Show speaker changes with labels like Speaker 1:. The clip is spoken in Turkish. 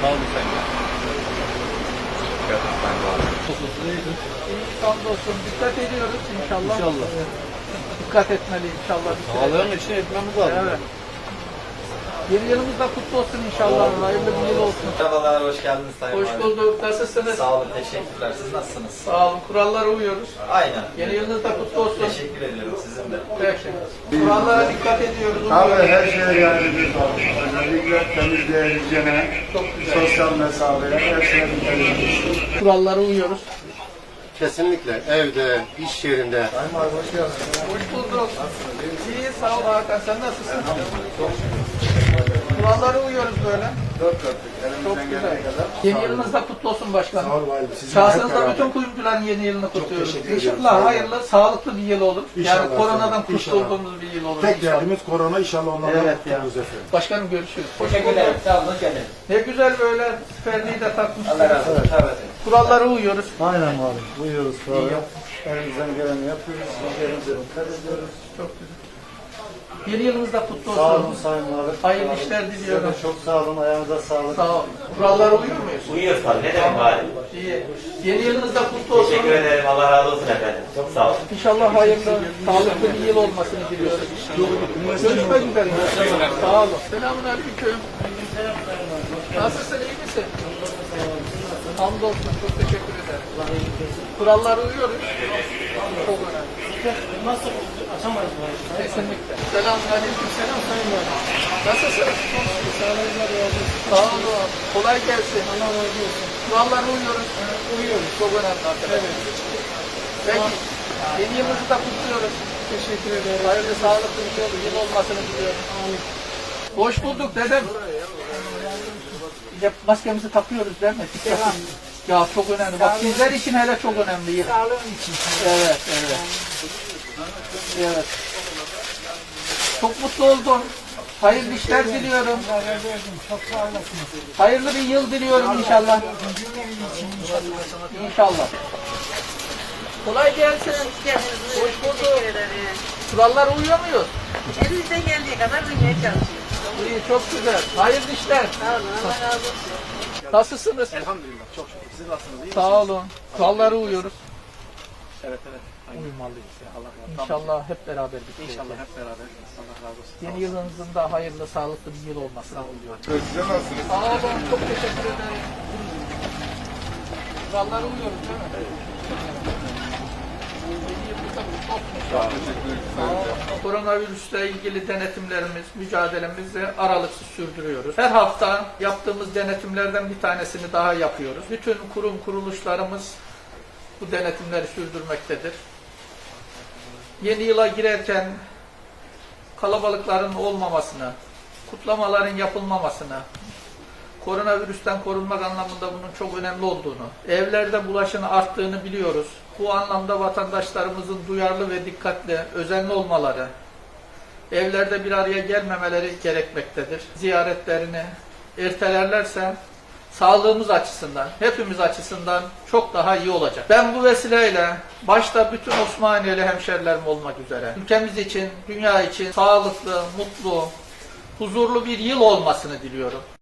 Speaker 1: Sağ olun sen de. Ben de abi.
Speaker 2: Hamdolsun. Dikkat ediyoruz inşallah.
Speaker 1: İnşallah.
Speaker 2: Dikkat etmeli inşallah.
Speaker 1: Sağlığın için etmemiz lazım.
Speaker 2: Evet. Yeni yılımız da kutlu olsun inşallah. Hayırlı bir yıl olsun.
Speaker 3: Merhabalar, hoş geldiniz Sayın
Speaker 2: Hoş
Speaker 3: Valim.
Speaker 2: bulduk. Nasılsınız?
Speaker 3: Sağ olun, teşekkürler. Siz nasılsınız?
Speaker 2: Sağ olun. Kurallara uyuyoruz.
Speaker 3: Aynen.
Speaker 2: Yeni yılınız da kutlu olsun.
Speaker 3: Teşekkür ediyorum sizin de.
Speaker 2: Peki. Kurallara dikkat ediyoruz.
Speaker 4: Abi
Speaker 2: uyuyoruz.
Speaker 4: her şeye geldiğimiz var. Özellikle temizliğe, hijyene,
Speaker 2: Çok güzel.
Speaker 4: sosyal mesafeye, her şeye dikkat ediyoruz.
Speaker 2: Kurallara uyuyoruz.
Speaker 5: Kesinlikle evde, iş yerinde.
Speaker 2: Hoş bulduk. İyi, sağ ol Hakan. Sen nasılsın? Kurallara uyuyoruz böyle.
Speaker 4: Dört dörtlük
Speaker 2: Çok
Speaker 4: elimizden
Speaker 2: güzel.
Speaker 4: gelene kadar.
Speaker 2: Yeni yılınız da kutlu olsun başkanım.
Speaker 4: Sağ ol valim. Sizin hep
Speaker 2: Şahsınızda
Speaker 4: beraber.
Speaker 2: bütün kuyumcuların yeni yılını kutluyoruz.
Speaker 4: teşekkür ediyoruz.
Speaker 2: İnşallah
Speaker 4: Sağ olun.
Speaker 2: hayırlı, sağlıklı bir yıl olur. Yani
Speaker 4: İnşallah,
Speaker 2: koronadan
Speaker 4: inşallah.
Speaker 2: kurtulduğumuz bir yıl olur.
Speaker 4: Tek
Speaker 2: inşallah.
Speaker 4: derdimiz korona, inşallah onlardan
Speaker 2: Evet ya.
Speaker 4: kurtuluruz efendim.
Speaker 2: Başkanım görüşürüz.
Speaker 3: Teşekkür ederim. Sağ olun, gelin.
Speaker 2: Ne güzel böyle ferdiği de takmışsınız.
Speaker 3: Allah razı olsun. Evet.
Speaker 2: Kurallara uyuyoruz.
Speaker 4: Aynen valim. Uyuyoruz sonra. Elimizden geleni yapıyoruz. Hijyenimize dikkat ediyoruz.
Speaker 2: Çok güzel. Yeni yılınız da kutlu
Speaker 4: Sağ olun
Speaker 2: olsun.
Speaker 4: Sayın Valim.
Speaker 2: Hayırlı işler diliyorum.
Speaker 4: Size de çok sağ olun. Ayağınıza sağlık.
Speaker 2: Sağ ol. Kurallara uyuyor muyuz?
Speaker 6: Uyuyoruz tabii. Ne demek bari?
Speaker 2: İyi. Yeni yılınız da kutlu olsun.
Speaker 6: Teşekkür ederim. Allah razı olsun efendim. Çok sağ olun.
Speaker 2: İnşallah hayırlı, sağlıklı bir yıl olmasını diliyoruz. Görüşmek üzere. Sağ olun. Selamun aleyküm. Nasılsın, iyi misin? Hamdolsun, çok teşekkür ederim. Kurallara uyuyoruz. Çok önemli. Nasıl? Açamayız mı? Kesinlikle. Selamun aleyküm. Selam sayın var. Nasılsın? Sağ olun. Kolay gelsin. Allah razı olsun. Kurallara uyuyoruz. Uyuyoruz. Çok önemli arkadaşlar. Peki. Yeni yılınızı da kutluyoruz. Teşekkür ederim. Hayırlı, sağlıklı bir yıl olmasını diliyorum. Hoş bulduk dedem. Ya maskemizi takıyoruz değil mi? Ya çok önemli. Bak sizler için hele çok önemli. Sağlığın için. Evet, evet. Evet. Çok mutlu oldum. Hayırlı işler diliyorum.
Speaker 7: Çok sağ olasınız.
Speaker 2: Hayırlı bir yıl diliyorum inşallah. İnşallah. Kolay gelsin. Hoş bulduk. Kurallara uyuyor muyuz?
Speaker 7: Elimizden geldiği kadar duymaya çalışıyoruz.
Speaker 2: İyi, çok güzel. Hayırlı işler.
Speaker 7: Sağ olun, Allah razı olsun.
Speaker 2: Nasılsınız?
Speaker 1: Elhamdülillah. Çok şükür. Siz nasılsınız? İyi
Speaker 2: Sağ olun. Kurallara uyuyoruz.
Speaker 1: Evet evet. Uyumalıyız ya. Allah razı olsun.
Speaker 2: İnşallah hep beraber bitireceğiz.
Speaker 1: İnşallah hep beraber. Allah razı olsun.
Speaker 2: Yeni yılınızın da hayırlı, sağlıklı bir yıl olmasını diliyorum.
Speaker 4: Size nasılsınız?
Speaker 2: Sağ olun. Çok teşekkür ederim. Kurallara uyuyoruz değil mi? Yeni yılınızda kutlu olsun inşallah. Sağ olun. Koronavirüsle ilgili denetimlerimiz, mücadelemizi aralıksız sürdürüyoruz. Her hafta yaptığımız denetimlerden bir tanesini daha yapıyoruz. Bütün kurum kuruluşlarımız bu denetimleri sürdürmektedir. Yeni yıla girerken kalabalıkların olmamasını, kutlamaların yapılmamasını, koronavirüsten korunmak anlamında bunun çok önemli olduğunu, evlerde bulaşın arttığını biliyoruz. Bu anlamda vatandaşlarımızın duyarlı ve dikkatli, özenli olmaları, evlerde bir araya gelmemeleri gerekmektedir. Ziyaretlerini ertelerlerse sağlığımız açısından, hepimiz açısından çok daha iyi olacak. Ben bu vesileyle başta bütün Osmaniyeli hemşerilerim olmak üzere ülkemiz için, dünya için sağlıklı, mutlu, huzurlu bir yıl olmasını diliyorum.